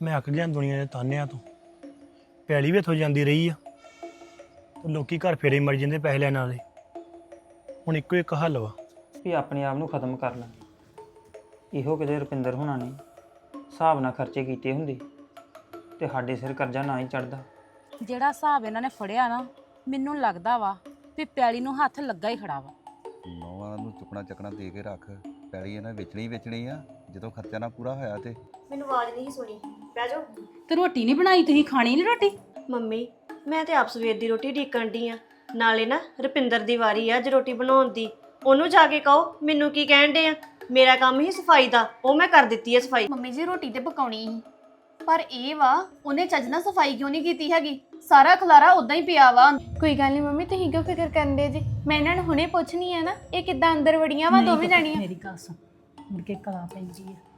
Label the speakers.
Speaker 1: ਮੈਂ ਅੱਕ ਗਿਆ ਦੁਨੀਆ ਦੇ ਤਾਨਿਆਂ ਤੋਂ। ਪੈਲੀ ਵੀ ਇੱਥੋਂ ਜਾਂਦੀ ਰਹੀ ਆ ਤੇ ਲੋਕੀ ਘਰ ਫੇਰੇ ਮਰ ਜਾਂਦੇ ਪੈਸੇ ਲੈਣ ਵਾਲੇ। ਹੁਣ ਇੱਕੋ ਇੱਕ ਹੱਲ ਵਾ
Speaker 2: ਵੀ ਆਪਣੇ ਆਪ ਨੂੰ ਖਤਮ ਕਰ ਲੈ। ਇਹੋ ਕਿਤੇ ਰੁਪਿੰਦਰ ਹੋਣਾ ਨੇ ਹਿਸਾਬ ਨਾਲ ਖਰਚੇ ਕੀਤੇ ਹੁੰਦੇ ਤੇ ਸਾਡੇ ਸਿਰ ਕਰਜ਼ਾ ਨਾ ਹੀ ਚੜਦਾ।
Speaker 3: ਜਿਹੜਾ ਹਿਸਾਬ ਇਹਨਾਂ ਨੇ ਫੜਿਆ ਨਾ, ਮੈਨੂੰ ਲੱਗਦਾ ਵਾ ਵੀ ਪੈਲੀ ਨੂੰ ਹੱਥ ਲੱਗਾ ਹੀ ਖੜਾ ਵਾ।
Speaker 4: ਨੌਵਾਂ ਨੂੰ ਚੁੱਕਣਾ ਚੱਕਣਾ ਦੇ ਕੇ ਰੱਖ, ਪੈਲੀ ਇਹਨਾਂ ਵੇਚਣੀ ਆ। ਜਦੋਂ ਖਰਚਾ ਨਾ ਪੂਰਾ ਹੋਇਆ ਤੇ
Speaker 5: ਮੈਨੂੰ ਆਵਾਜ਼ ਨਹੀਂ ਸੁਣੀ। ਬਹਿ ਜਾਓ।
Speaker 3: ਤੇ ਰੋਟੀ ਨਹੀਂ ਬਣਾਈ, ਤੁਸੀਂ ਖਾਣੀ ਨਹੀਂ ਰੋਟੀ?
Speaker 5: ਮੰਮੀ ਮੈਂ ਤੇ ਆਪ ਸਵੇਰ ਦੀ ਰੋਟੀ ਢੀਕਣ ਡਈ ਆ। ਨਾਲੇ ਨਾ ਰੁਪਿੰਦਰ ਦੀ ਵਾਰੀ ਆ ਅੱਜ ਰੋਟੀ ਬਣਾਉਣ ਦੀ। ਉਹਨੂੰ ਜਾ ਕੇ ਕਹੋ ਮੈਨੂੰ ਕੀ ਕਹਿਣ ਡੇ ਆ। ਮੇਰਾ ਕੰਮ ਹੀ ਸਫਾਈ ਦਾ, ਉਹ ਮੈਂ ਕਰ ਦਿੱਤੀ ਹੈ ਸਫਾਈ।
Speaker 6: ਮੰਮੀ ਜੀ ਰੋਟੀ ਤੇ ਪਕਾਉਣੀ ਸੀ, ਪਰ ਇਹ ਵਾ ਉਹਨੇ ਚੱਜ ਨਾਲ ਸਫਾਈ ਕਿਉਂ ਨਹੀਂ ਕੀਤੀ ਹੈਗੀ। ਸਾਰਾ ਖਲਾਰਾ ਉਦਾਂ ਹੀ ਪਿਆ ਵਾ। ਕੋਈ ਗੱਲ ਨਹੀਂ ਮੰਮੀ, ਤੁਸੀਂ ਕਿਉਂ ਫਿਕਰ ਕਰਦੇ ਜੀ? ਮੈਂ ਇਹਨਾਂ ਨੂੰ ਹੁਣੇ ਪੁੱਛਣੀ ਆ ਨਾ, ਇਹ ਕਿੱਦਾਂ ਅੰਦਰ ਵੜੀਆਂ ਵਾ ਦੋਵੇਂ ਜਾਣੀਆਂ।
Speaker 3: ਮੇਰੀ ਗੱਲ ਸੁਣ, ਮੁੜ ਕੇ ਕਲਾ ਪੈਂਦੀ ਆ।